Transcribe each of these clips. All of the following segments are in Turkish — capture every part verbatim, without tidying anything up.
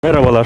Merhabalar.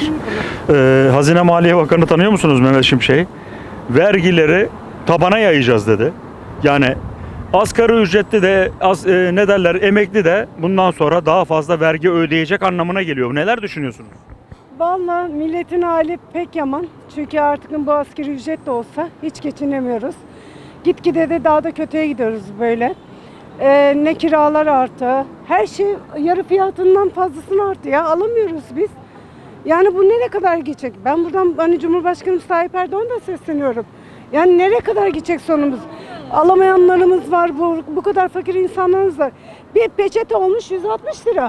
Ee, Hazine Maliye Bakanı tanıyor musunuz Mehmet Şimşek'i? Vergileri tabana yayacağız dedi. Yani asgari ücretli de az, e, ne derler emekli de bundan sonra daha fazla vergi ödeyecek anlamına geliyor. Neler düşünüyorsunuz? Vallahi milletin hali pek yaman. Çünkü artık bu asgari ücret de olsa hiç geçinemiyoruz. Gitgide de daha da kötüye gidiyoruz böyle. Ee, ne kiralar arttı. Her şey yarı fiyatından fazlasını arttı ya. Alamıyoruz biz. Yani bu nereye kadar gidecek? Ben buradan hani Cumhurbaşkanımız Tayyip Erdoğan'a da sesleniyorum. Yani nereye kadar gidecek sonumuz? Alamayanlarımız var, bu, bu kadar fakir insanlarımız var. Bir peçete olmuş yüz altmış lira.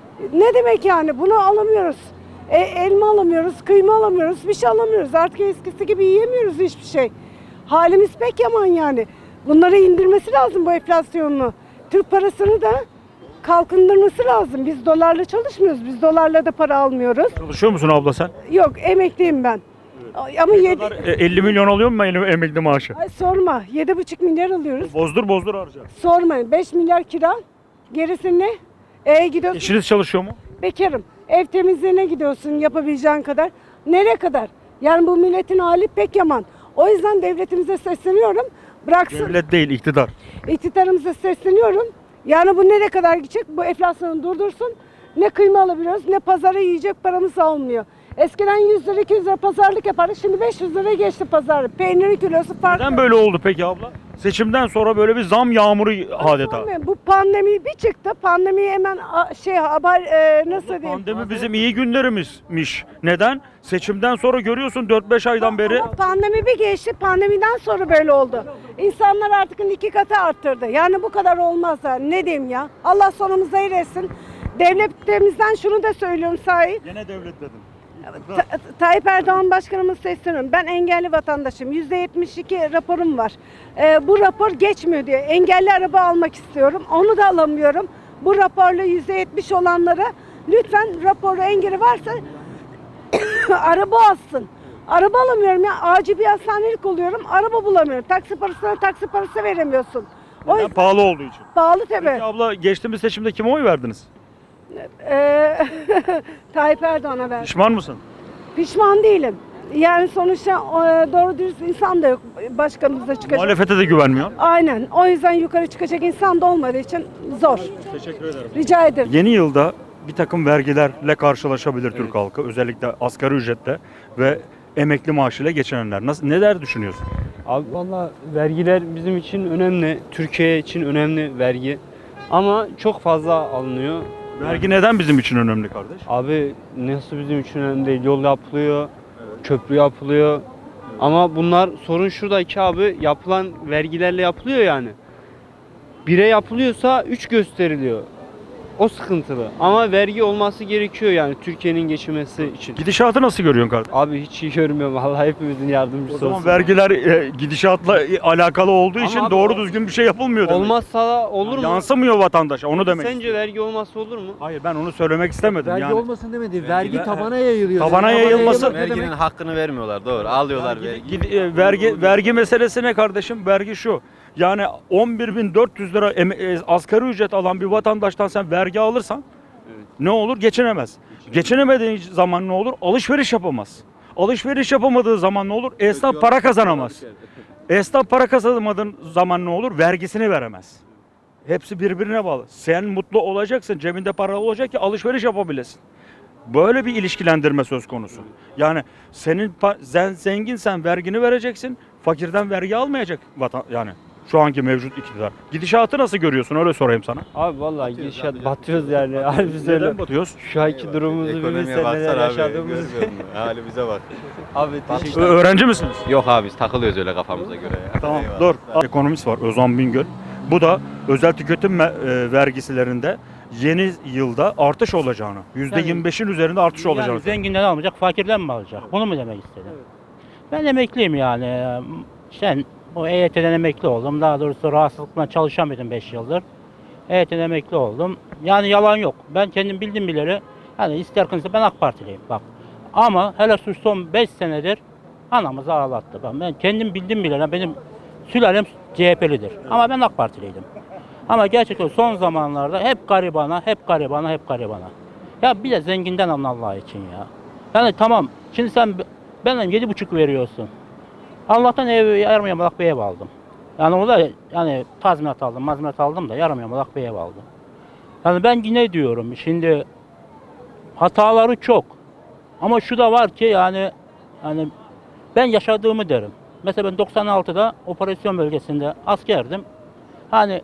Ne demek yani? Bunu alamıyoruz. E, elma alamıyoruz, kıyma alamıyoruz, bir şey alamıyoruz. Artık eskisi gibi yiyemiyoruz hiçbir şey. Halimiz pek yaman yani. Bunları indirmesi lazım bu enflasyonunu. Türk parasını da kalkındırması lazım. Biz dolarla çalışmıyoruz. Biz dolarla da para almıyoruz. Çalışıyor musun abla sen? Yok, emekliyim ben. Ama yedi, Kadar, e, elli milyon alıyor mu em- emekli maaşı? ay sorma. Yedi buçuk milyar alıyoruz. Bozdur bozdur harca. Sormayın. Beş milyar kira. Gerisi ne? E gidiyorsun. Eşiniz çalışıyor mu? Bekarım. Ev temizliğine gidiyorsun yapabileceğin kadar. Nereye kadar? Yani bu milletin hali pek yaman. O yüzden devletimize sesleniyorum. Bıraksın. Devlet değil, iktidar. İktidarımıza sesleniyorum. Yani bu nereye kadar gidecek? Bu enflasyonu durdursun. Ne kıyma alabiliyoruz ne pazara yiyecek paramız olmuyor. Eskiden yüz lira iki yüz lira pazarlık yapardık. Şimdi beş yüz lira geçti pazarı. Peynirin kilosu farklı. Neden böyle oldu peki abla? Seçimden sonra böyle bir zam yağmuru adeta. Sormayın, bu pandemi bir çıktı. Pandemiyi hemen a- şey haber e, nasıl diyeyim? Pandemi bizim iyi günlerimizmiş. Neden? Seçimden sonra görüyorsun dört beş aydan beri. Ama pandemi bir geçti. Pandemiden sonra böyle oldu. İnsanlar artık iki katı arttırdı. Yani bu kadar olmaz ha. Ne diyeyim ya? Allah sonumuzu hayır etsin. Devletimizden şunu da söylüyorum sahi. Gene devlet dedim. Ta- Tayyip Erdoğan Başkanımız sesleniyorum. Ben engelli vatandaşım. yüzde yetmiş iki raporum var. Ee, bu rapor geçmiyor diye. Engelli araba almak istiyorum. Onu da alamıyorum. Bu raporla yüzde yetmiş olanlara lütfen raporu engeli varsa araba alsın. Araba alamıyorum ya. Acil bir hastanelik oluyorum. Araba bulamıyorum. Taksi parasına taksi parası veremiyorsun. O Neden? yüzden Pahalı olduğu için. pahalı tabii. Peki abla geçtiğimiz seçimde kime oy verdiniz? Ee, Tayyip Erdoğan'a verdim. Pişman mısın? Pişman değilim. Yani sonuçta e, doğru dürüst insan da yok başkanımıza çıkacak. Muhalefete de güvenmiyor. Aynen. O yüzden yukarı çıkacak insan da olmadığı için zor. Teşekkür ederim. Rica ederim. Yeni yılda bir takım vergilerle karşılaşabilir Türk halkı. Özellikle asgari ücretle ve emekli maaşıyla geçinenler. Nasıl, neler düşünüyorsun? Abi valla vergiler bizim için önemli. Türkiye için önemli vergi. Ama çok fazla alınıyor. Vergi neden bizim için önemli kardeş? Abi nasıl bizim için önemli değil. Yol yapılıyor, köprü yapılıyor. Ama bunlar sorun şurada ki abi yapılan vergilerle yapılıyor yani. Bire yapılıyorsa üç gösteriliyor. O sıkıntılı. Ama vergi olması gerekiyor yani Türkiye'nin geçinmesi için. Gidişatı nasıl görüyorsun kardeş? Abi hiç iyi görmüyorum. Vallahi hepimizin O yardımcısı zaman olsun. vergiler e, gidişatla e, alakalı olduğu Ama için abi doğru o- düzgün bir şey yapılmıyor demek. Olmazsa da olur mu? Yansımıyor vatandaşa onu demek. Sence vergi olmazsa olur mu? Hayır ben onu söylemek istemedim. Vergi yani. olmasın demedi. Vergi tabana yayılıyor. Tabana yayılması- yayılmak ne Verginin demek? hakkını vermiyorlar doğru. Alıyorlar vergi. Gid- e, vergi vergi meselesi ne kardeşim? Vergi şu. Yani on bir bin dört yüz lira eme- e, asgari ücret alan bir vatandaştan sen vergi alırsan ne olur? Geçinemez. Geçinemediği zaman ne olur? Alışveriş yapamaz. Alışveriş yapamadığı zaman ne olur? Esnaf para kazanamaz. Esnaf para kazanamadığın zaman ne olur? Vergisini veremez. Hepsi birbirine bağlı. Sen mutlu olacaksın, cebinde para olacak ki alışveriş yapabilesin. Böyle bir ilişkilendirme söz konusu. Yani senin pa- sen zenginsen vergini vereceksin, fakirden vergi almayacak vatan yani şu anki mevcut iktidar. Gidişatı nasıl görüyorsun öyle sorayım sana. Abi vallahi gidişat batıyoruz yani. Harbi söyle. Neden batıyoruz? Şu anki durumumuzu bir Ekonomiye bilsen neler baksana abi. yaşadığımızı. Görmüyor musun? Halimize bak. Abi Ö- teşekkür öğrenci misiniz? Yok abi biz takılıyoruz öyle kafamıza göre ya. Tamam Eyvallah. dur. Ekonomist var Özan Bingöl. Bu da özel tüketim me- e, vergisilerinde yeni yılda artış olacağını, yüzde yirmi beşin üzerinde artış olacağını. Yani zenginden almayacak, fakirden mi alacak? Bunu mu demek istedin? Ben emekliyim yani. Sen o E Y T'den emekli oldum. Daha doğrusu rahatsızlıkla çalışamıyordum beş yıldır. E Y T'den emekli oldum. Yani yalan yok. Ben kendim bildim bileli. Yani ister kimse ben AK Partiliyim bak. Ama hele şu son beş senedir anamızı ağlattı. Bak ben kendim bildim bileli. Benim sülalem C H P'lidir. Ama ben AK Partiliydim. Ama gerçekten son zamanlarda hep garibana, hep garibana, hep garibana. Ya bir de zenginden alın Allah için ya. Yani tamam. Şimdi sen benden yedi buçuk veriyorsun. Allah'tan ev yarım yamalak bir ev aldım. Yani o da yani tazminat aldım, mazminat aldım da yarım yamalak bir ev aldım. Yani ben yine diyorum şimdi hataları çok. Ama şu da var ki yani yani ben yaşadığımı derim. Mesela ben doksan altıda operasyon bölgesinde askerdim. Hani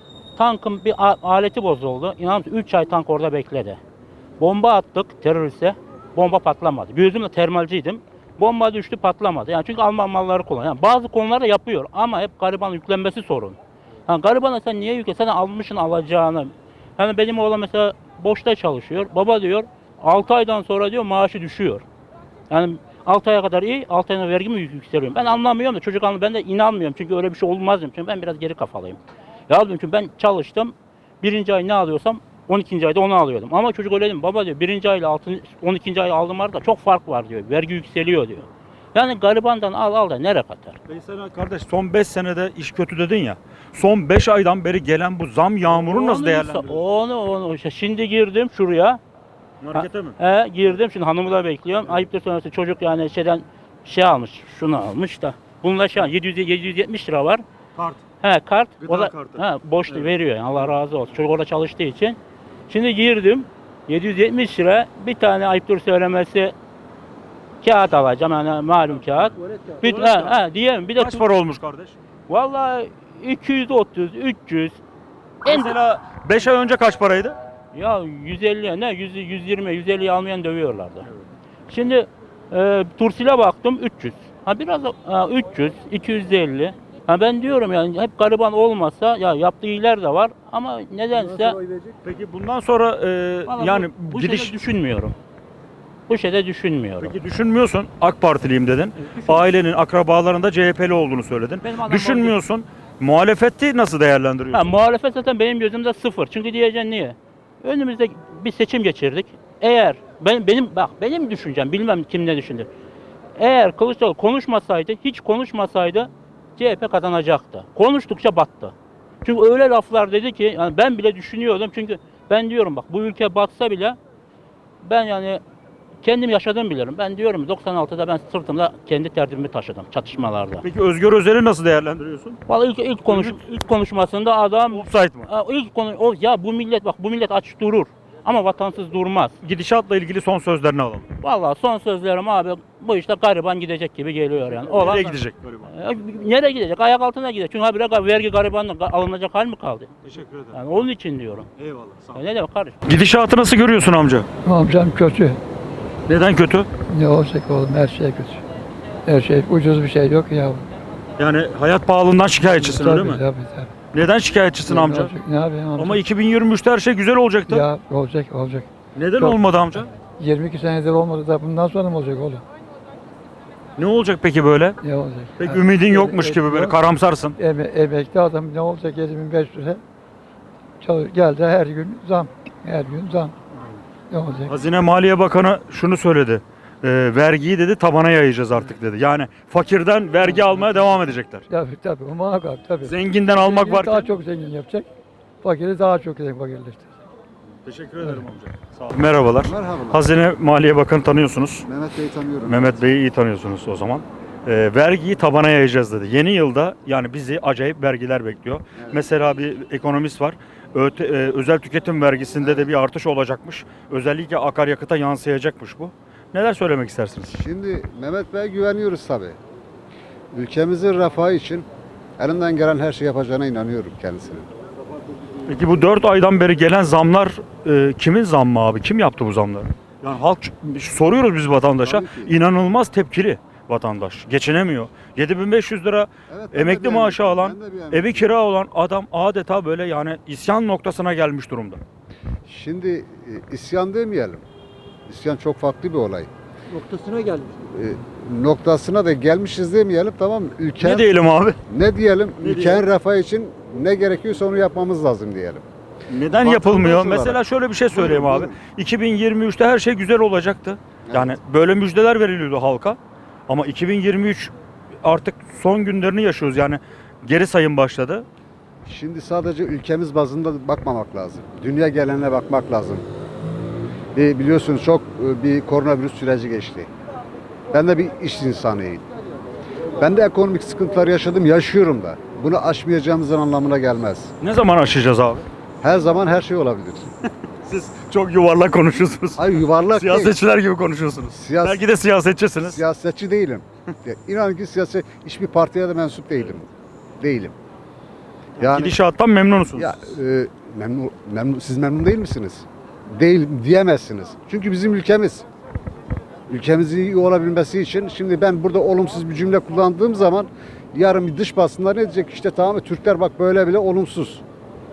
tankın bir a- aleti bozuldu. İnanır mısın üç ay tank orada bekledi. Bomba attık teröriste. Bomba patlamadı. Gözümle termalciydim. Bomba düştü patlamadı. Yani çünkü Alman malları kullanıyor. Yani bazı konularda yapıyor ama hep gariban yüklenmesi sorun. Yani garibana sen niye yükle? Sen almışsın alacağını. Yani benim oğlan mesela boşta çalışıyor. Baba diyor altı aydan sonra diyor maaşı düşüyor. Yani altı aya kadar iyi, altı ayına vergi mi yük- yükseliyorum? Ben anlamıyorum da çocuk anlamıyor. Ben de inanmıyorum çünkü öyle bir şey olmaz diyorum. Çünkü ben biraz geri kafalıyım. Ya diyorum çünkü ben çalıştım. Birinci ay ne alıyorsam on ikinci ayda onu alıyordum. Ama çocuk öyle değil mi? Baba diyor birinci ayla on ikinci ay aldığım arada çok fark var diyor. Vergi yükseliyor diyor. Yani garibandan al al da nereye kadar? Veysel kardeş son beş senede iş kötü dedin ya. Son beş aydan beri gelen bu zam yağmurunu nasıl Onu- değerlendiriyorsun? Onu onu işte şimdi girdim şuraya. Markete mi? He girdim şimdi hanımı da bekliyorum. Ayıptır sonrası çocuk yani şeyden şey almış. Şunu almış da. Bununla şu an yedi yüz yedi yüz yetmiş lira var. Kart. He kart. Gıda o da kartı. he, boştu Evet. veriyor yani Allah razı olsun. Çocuk orada çalıştığı için. Şimdi girdim. yedi yüz yetmiş lira bir tane ayıptır söylemesi kağıt alacağım yani malum kağıt. Bir, he, he, diyeyim bir de Kaç para olmuş kardeş? vallahi iki yüz otuz üç yüz en Mesela beş ay önce kaç paraydı? ya yüz elli ne yüz yüz yirmi yüz elli almayan dövüyorlardı. Şimdi e, Tursil'e baktım üç yüz. Ha biraz da- ha, üç yüz iki yüz elli. Ha ben diyorum yani hep gariban olmasa ya yaptığı iyiler de var ama nedense Peki bundan sonra e, Vallahi yani bu, bu gidiş... şeyde düşünmüyorum. Bu şeyde düşünmüyorum. Peki düşünmüyorsun AK Partiliyim dedin. Ailenin, akrabalarında C H P'li olduğunu söyledin. Benim adam Düşünmüyorsun. Muhalefeti nasıl Ha, değerlendiriyorsun? muhalefet zaten benim gözümde sıfır. Çünkü diyeceksin niye? Önümüzde bir seçim geçirdik. Eğer ben benim bak benim düşüncem bilmem kim ne düşündü. Eğer Kılıçdaroğlu konuşmasaydı, hiç konuşmasaydı C H P kazanacaktı. Konuştukça battı. Çünkü öyle laflar dedi ki yani ben bile düşünüyordum. Çünkü ben diyorum bak bu ülke batsa bile ben yani kendim yaşadığımı bilirim. Ben diyorum doksan altıda ben sırtımda kendi tertibimi taşıdım çatışmalarda. Peki Özgür Özel'i nasıl değerlendiriyorsun? Vallahi ilk, ilk, konuş, ilk konuşmasında adam Offside mı? Ha, ilk konu o ya bu millet bak bu millet aç durur ama vatansız durmaz. Gidişatla ilgili son sözlerini alalım. Vallahi son sözlerim abi bu işte gariban gidecek gibi geliyor yani. Olan, Nereye gidecek gariban? E, nereye gidecek? Ayak altına gidecek. Çünkü habire vergi garibanla ga- alınacak hal mi kaldı? Teşekkür ederim. Yani onun için diyorum. Eyvallah. Sağ ol. E, ne demek kardeşim? Gidişatı nasıl görüyorsun amca? Amcam kötü. Neden kötü? Ne olacak oğlum her şey kötü. Her şey ucuz bir şey yok ya. Yani hayat pahalılığından şikayetçisin öyle mi? Tabii tabii. tabii. Neden şikayetçisin Ne amca? olacak, Ne yapayım amca? Ama iki bin yirmi üçte her şey güzel olacaktı. Ya olacak olacak. Neden Çok- olmadı amca? yirmi iki senedir olmadı da bundan sonra mı olacak oğlum? Ne olacak peki böyle? Ne olacak? Pek Ha, ümidin em- yokmuş em- gibi böyle yok. karamsarsın. Eme, emekli adam ne olacak yedi bin beş yüze? Çalış, geldi her gün zam. Her gün zam. Ne olacak? Hazine Maliye Bakanı şunu söyledi. E, vergiyi dedi tabana yayacağız artık dedi. Yani fakirden vergi almaya devam edecekler. Tabii tabii. O muhakkak tabii. Zenginden almak Zengini daha varken. çok zengin yapacak. Fakiri daha çok zengin fakirleştirecek. Teşekkür ederim amca. Sağ olun. Merhabalar. Merhabalar. Hazine Maliye Bakanı tanıyorsunuz. Mehmet Bey'i tanıyorum. Mehmet Bey'i iyi tanıyorsunuz o zaman. E, vergiyi tabana yayacağız dedi. Yeni yılda yani bizi acayip vergiler bekliyor. Mesela bir ekonomist var. Öte- e, özel tüketim vergisinde de bir artış olacakmış. Özellikle akaryakıta yansıyacakmış bu. Neler söylemek istersiniz? Şimdi Mehmet Bey'e güveniyoruz tabii. Ülkemizin refahı için elinden gelen her şeyi yapacağına inanıyorum kendisine. Peki bu dört aydan beri gelen zamlar e, kimin zammı abi? Kim yaptı bu zamları? Yani halk soruyoruz biz vatandaşa. Tabii ki. İnanılmaz tepkili vatandaş. Geçinemiyor. yedi bin beş yüz lira Evet, ben de emekli bir maaşı emekliyim, alan, ben de bir evi emekliyim. kira olan adam adeta böyle yani isyan noktasına gelmiş durumda. Şimdi e, isyan demeyelim. İsyan çok farklı bir olay. Noktasına gelmiş. E, noktasına da gelmişiz demeyelim, tamam mı? Ülken, Ne diyelim abi? ne diyelim? Ne Ülkenin refahı için ne gerekiyorsa onu yapmamız lazım diyelim. Neden Vatandaş yapılmıyor? olarak. Mesela şöyle bir şey söyleyeyim Buyurun, abi. buyurun. iki bin yirmi üçte her şey güzel olacaktı. Yani böyle müjdeler veriliyordu halka. Ama iki bin yirmi üç artık son günlerini yaşıyoruz. Yani geri sayım başladı. Şimdi sadece ülkemiz bazında bakmamak lazım. Dünya geneline bakmak lazım. Bir, biliyorsunuz çok e, bir koronavirüs süreci geçti. Ben de bir iş insanıyım. Ben de ekonomik sıkıntılar yaşadım, yaşıyorum da. Bunu aşmayacağımızın anlamına gelmez. Ne zaman aşacağız abi? Her zaman her şey olabilir. Siz çok yuvarlak konuşuyorsunuz. Hayır yuvarlak değil. Siyasetçiler gibi konuşuyorsunuz. Siyas- Belki de siyasetçisiniz. Siyasetçi değilim. Ya, İnan ki siyaset, hiçbir partiye de mensup değilim. Değilim. Yani Gidişattan memnunsunuz. ya e, memnun, memnun, siz memnun değil misiniz? Değil diyemezsiniz. Çünkü bizim ülkemiz. Ülkemizin iyi olabilmesi için şimdi ben burada olumsuz bir cümle kullandığım zaman yarın bir dış basınlar ne diyecek? İşte tamam mı Türkler bak böyle bile olumsuz.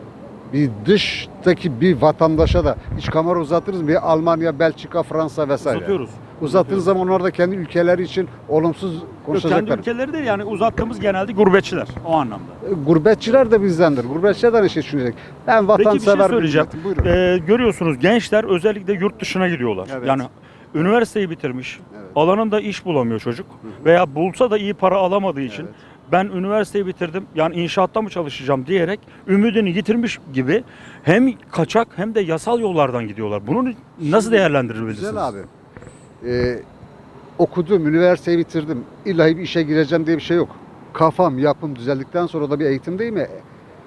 Bir dıştaki bir vatandaşa da hiç kamera uzatırız mı? Bir Almanya, Belçika, Fransa vesaire. Uzatıyoruz. Uzattığınız zaman onlar da kendi ülkeleri için olumsuz Yok, kendi konuşacaklar. ülkeleri değil yani uzattığımız genelde gurbetçiler o anlamda. Gurbetçiler de bizdendir. Gurbetçiler de aynı şey düşünecek. Ben Peki bir şey vatansever söyleyeceğim. milletim. Buyurun. Ee, görüyorsunuz gençler özellikle yurt dışına gidiyorlar. Evet. Yani üniversiteyi bitirmiş, Evet. alanında iş bulamıyor çocuk veya bulsa da iyi para alamadığı için Evet. ben üniversiteyi bitirdim yani inşaatta mı çalışacağım diyerek ümidini yitirmiş gibi hem kaçak hem de yasal yollardan gidiyorlar. Bunu nasıl değerlendirebilirsiniz? Güzel abi. Ee, okudum, üniversiteyi bitirdim. İllahi bir işe gireceğim diye bir şey yok. Kafam, yapım düzeldikten sonra da bir eğitim değil mi?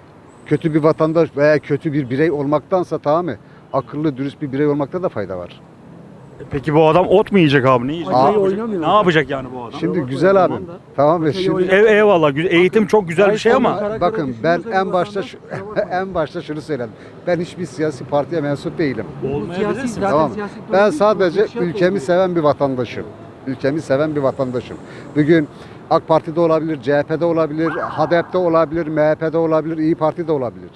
Kötü bir vatandaş veya kötü bir birey olmaktansa tamam mı? Akıllı, dürüst bir birey olmakta da fayda var. Peki bu adam ot mu yiyecek abi? Ne yiyecek? Aa, Ne yapacak? oynamıyor. Ne yapacak yani bu adam? Şimdi bak, güzel o abi. zaman da- Tamam mı? Ülkeyi Şimdi oynat- Ev, eyvallah güzel, eğitim çok güzel bir şey ama Karaktere bakın ben düşünürse en bir başta vatandaş, şu, kusura bakma. en başta şunu söyledim. Ben hiçbir siyasi partiye mensup değilim. olmayabilirsin. Zaten Tamam. siyasi bir Ben durum sadece değil, bir şey ülkemi olmuyor. seven bir vatandaşım. Ülkemi seven bir vatandaşım. Bugün AK Parti'de olabilir, C H P'de olabilir, H D P'de olabilir, M H P'de olabilir, İyi Parti'de olabilir.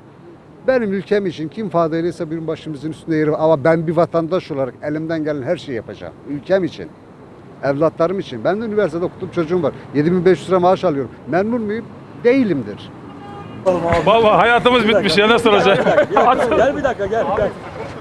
Benim ülkem için kim fadeliyse bir başımızın üstünde yeri var. Ama ben bir vatandaş olarak elimden gelen her şeyi yapacağım. Ülkem için. Evlatlarım için. Ben de üniversitede okudum, çocuğum var. yedi bin beş yüz lira maaş alıyorum. Memnun muyum? Değilimdir. Vallahi hayatımız bitmiş ya ne soracak? Gel bir dakika gel. gel.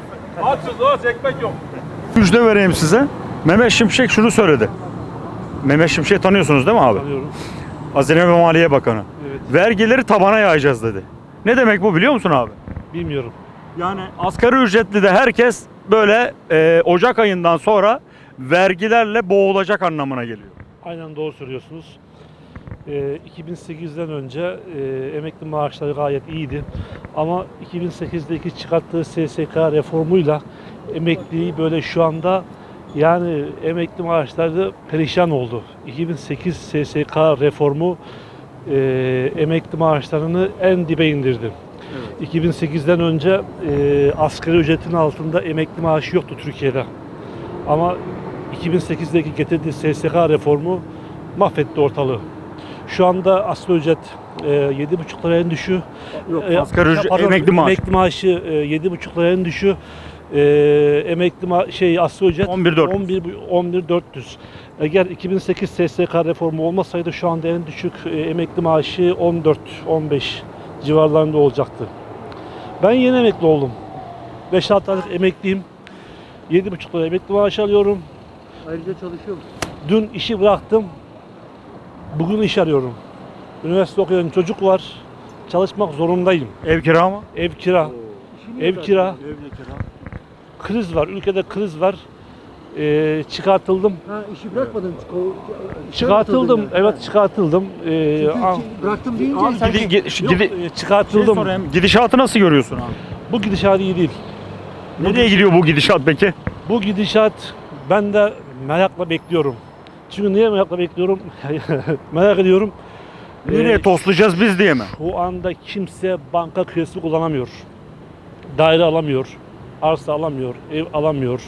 Açız o ekmek yok. Müjde vereyim size. Mehmet Şimşek şunu söyledi. Mehmet Şimşek'i tanıyorsunuz değil mi abi? Tanıyorum. Hazine ve Maliye Bakanı. Evet. Vergileri tabana yayacağız dedi. Ne demek bu biliyor musun abi? Bilmiyorum. Yani asgari ücretli de herkes böyle e, Ocak ayından sonra vergilerle boğulacak anlamına geliyor. Aynen doğru söylüyorsunuz. Ee, iki bin sekizden önce e, emekli maaşları gayet iyiydi. Ama iki bin sekizdeki çıkarttığı S S K reformuyla emekliyi böyle şu anda yani emekli maaşları perişan oldu. iki bin sekiz S S K reformu e, emekli maaşlarını en dibe indirdi. iki bin sekizden önce e, asgari ücretin altında emekli maaşı yoktu Türkiye'de. Ama iki bin sekizdeki getirdiği S S K reformu mahvetti ortalığı. Şu anda asgari ücret e, yedi buçuk lira en düşüğü. Yok, E, asgari ücret- pardon, emekli maaşı. Emekli maaşı e, yedi buçuk lira en düşüğü. E, emekli ma- şey asgari ücret on bir bin dört yüz. on bir on bir bin dört yüz. Eğer iki bin sekiz S S K reformu olmasaydı şu anda en düşük e, emekli maaşı on dört on beş civarlarında olacaktı. Ben yeni emekli oldum. beş altı aylık emekliyim. yedi buçuk lira emekli maaşı alıyorum. Ayrıca çalışıyor musun? Dün işi bıraktım. Bugün iş arıyorum. Üniversite okuyan çocuk var. Çalışmak zorundayım. Ev kira mı? Ev kira. İşi niye Ev kira. Ev kira. Kriz var. Ülkede kriz var. Ee, çıkartıldım. Ha işi bırakmadın. Ko- Çıkartıldım. yani. Evet çıkartıldım. Ee, Çünkü ah, ki- bıraktım deyince Abi sen- gidi, gidi, yok, gidi, e, şey çıkartıldım. sorayım, gidişatı nasıl görüyorsun abi? Bu gidişat iyi değil. Nereye gidiyor bu gidişat peki? Bu gidişat ben de merakla bekliyorum. Çünkü niye merakla bekliyorum? Merak ediyorum. Nereye Ee, toslayacağız biz diye mi? Şu anda kimse banka kredisi kullanamıyor. Daire alamıyor. Arsa alamıyor. Ev alamıyor.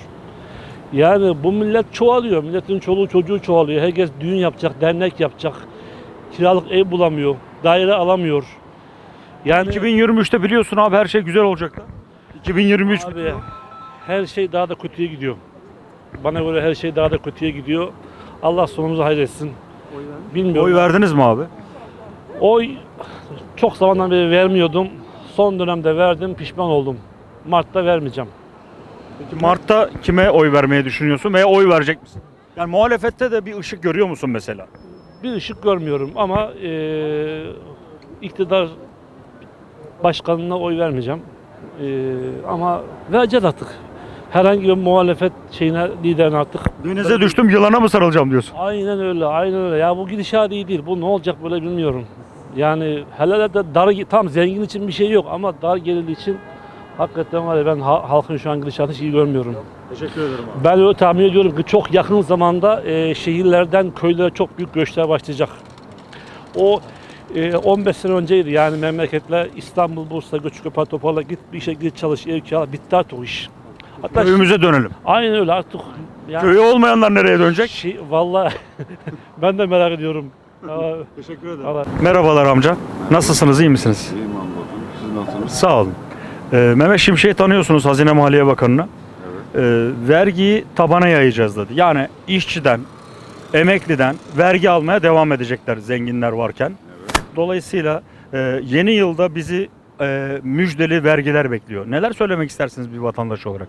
Yani bu millet çoğalıyor. Milletin çoluğu çocuğu çoğalıyor. Herkes düğün yapacak, dernek yapacak. Kiralık ev bulamıyor. Daire alamıyor. Yani iki bin yirmi üçte biliyorsun abi her şey güzel olacaktı. iki bin yirmi üç abi her şey daha da kötüye gidiyor. Bana göre her şey daha da kötüye gidiyor. Allah sonumuzu hayretsin. Bilmiyorum. oy verdiniz mi abi? Oy çok zamandan beri vermiyordum. Son dönemde verdim, pişman oldum. Mart'ta vermeyeceğim. Peki Mart'ta kime oy vermeyi düşünüyorsun veya oy verecek misin? Yani muhalefette de bir ışık görüyor musun mesela? Bir ışık görmüyorum ama eee iktidar başkanına oy vermeyeceğim. Eee, ama vereceğiz artık. herhangi bir muhalefet şeyine, liderine artık. Denize düştüm yılana mı sarılacağım diyorsun? Aynen öyle, aynen öyle. Ya bu gidişat iyi değil. Bu ne olacak böyle bilmiyorum. Yani hele de dar, tam zengin için bir şey yok ama dar gelirli için hakikaten var ya, ben ha- halkın şu an gidişatını hiç iyi görmüyorum. Teşekkür ederim abi. Ben öyle tahmin ediyorum ki çok yakın zamanda e, şehirlerden köylere çok büyük göçler başlayacak. O e, on beş sene önceydi yani, memleketler İstanbul, Bursa, Göçköpe, Topal'a git bir işe git çalış, ev kira, bitti artık o iş. Hatta Köyümüze dönelim. aynen öyle artık. Yani, Köyü olmayanlar nereye dönecek? şey, vallahi ben de merak ediyorum. Aa, Teşekkür ederim. Allah- Merhabalar amca. Nasılsınız? İyi misiniz? İyiyim hamdolsun. Siz nasılsınız? Sağ olun. Ee, Mehmet Şimşek'i tanıyorsunuz, Hazine Maliye Bakanı'nı. Ee, vergiyi tabana yayacağız dedi. Yani işçiden, emekliden vergi almaya devam edecekler zenginler varken. Dolayısıyla e, yeni yılda bizi e, müjdeli vergiler bekliyor. Neler söylemek istersiniz bir vatandaş olarak?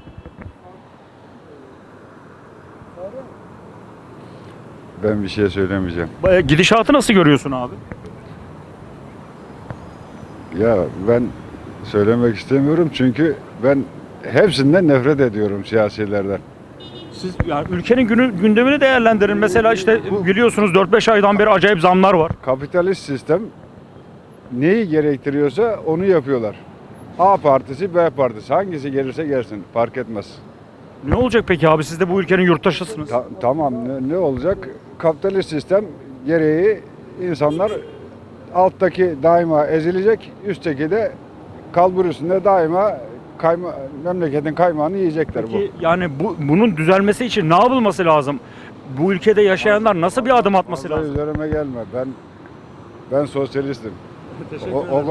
Ben bir şey söylemeyeceğim. E, Gidişatı nasıl görüyorsun abi? Ya ben söylemek istemiyorum çünkü ben hepsinden nefret ediyorum siyasilerden. Siz yani ülkenin günü, gündemini değerlendirin. Mesela işte biliyorsunuz dört beş aydan beri acayip zamlar var. Kapitalist sistem neyi gerektiriyorsa onu yapıyorlar. A partisi, B partisi hangisi gelirse gelsin fark etmez. Ne olacak peki abi? Siz de bu ülkenin yurttaşısınız. Ta- tamam ne, ne olacak? Kapitalist sistem gereği insanlar alttaki daima ezilecek, üstteki de kalbur üstünde daima kayma, memleketin kaymağını yiyecekler bu. Peki yani bu bunun düzelmesi için ne yapılması lazım? Bu ülkede yaşayanlar nasıl bir adım atması Vallahi lazım? üzerime gelme. Ben ben sosyalistim. O, o